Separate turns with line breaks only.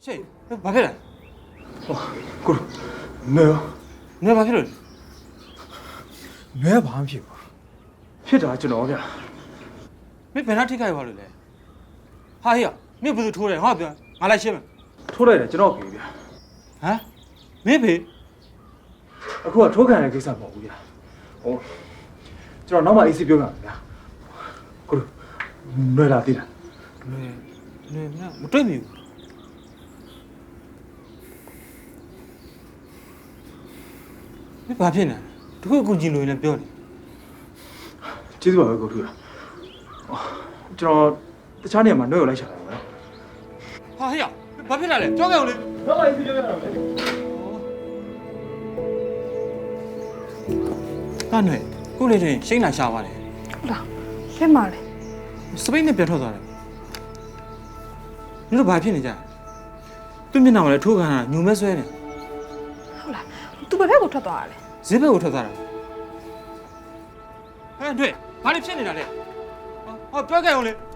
ရှေ့ဘာဖြစ်လဲ
ကိုနေရော
နေဘာဖြစ်လို့လဲ
နေဘာမှဖြစ်ဘူးဖြစ်တာကျွန်တော်ဗျာ
မင်းဘယ်နှထိခိုက်သွားလို့လဲဟာဟေ့မင်းဘယ်သူထိုးတယ်ငါပြောငါလိုက်ရှင်းမယ်
ထိုးလိုက်တယ်ကျွန်တော်ပြေဗျာ
ဟမ်မင်းဖေ
အခုကထိုးခံတဲ့ကိစ္စမဟုတ်ဘူးဗျာဟိုကျွန်တော်နောက်မှအေးစီပြောပြမယ်ဗျာကိုနေလာသေးလား
နေမတွေ့မိဘူးမင်းဘာဖြစ်နေလဲတခုကူကြည့်လို့လည်းပြောနေ
ကျေးဇူးပါပဲကိုထူရကျွန်တော်တခြားနေရာမှာနှုတ်ရလိုက်ရှာတယ်ဗျာ
ဟာဟေ့ဘာဖြစ်လာလဲကြောက်ကြအောင်လေ
နောက်မှအေးစီပြောပြရမယ်
တားနေခုလေးချင်းရှိန်လာရှာပါတယ်
ဟုတ်လားလက်မလဲ
စပိတ်နဲ့ပြန်ထွက်သွားတယ်你说白骗你家？对面那我来抽干了，牛没摔呢，
ဟုတ်လားသူဘယ်ဘက်ကိုထွက်သွားတာလဲ
谁被我抽咋了？哎，对，把你骗你了嘞！不要干我嘞！